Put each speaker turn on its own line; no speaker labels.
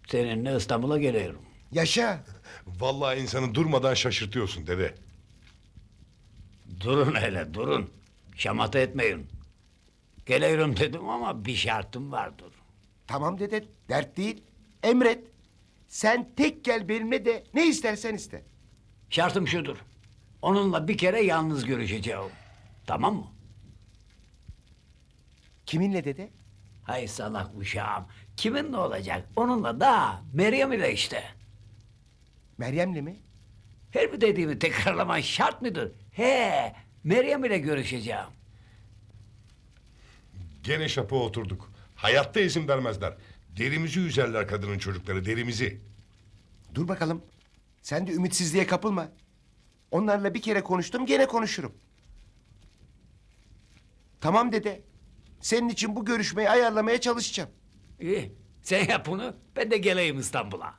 Seninle İstanbul'a geliyorum.
Yaşa.
Vallahi insanı durmadan şaşırtıyorsun dede.
Durun hele durun. Şamata etmeyin. Geliyorum dedim ama bir şartım vardır.
Tamam dede, dert değil. Emret. Sen tek gel benimle de ne istersen iste.
Şartım şudur. Onunla bir kere yalnız görüşeceğim. Tamam mı?
Kiminle dede?
Hay salak uşağım. Kiminle olacak? Onunla da Meryem ile işte.
Meryem'le mi?
Her bir dediğimi tekrarlaman şart mıdır? He, Meryem ile görüşeceğim.
Gene şapa oturduk. Hayatta izin vermezler. Derimizi üzerler kadının çocukları, derimizi.
Dur bakalım. Sen de ümitsizliğe kapılma. Onlarla bir kere konuştum, gene konuşurum. Tamam dede. Senin için bu görüşmeyi ayarlamaya çalışacağım.
İyi, sen yap bunu, ben de geleyim İstanbul'a.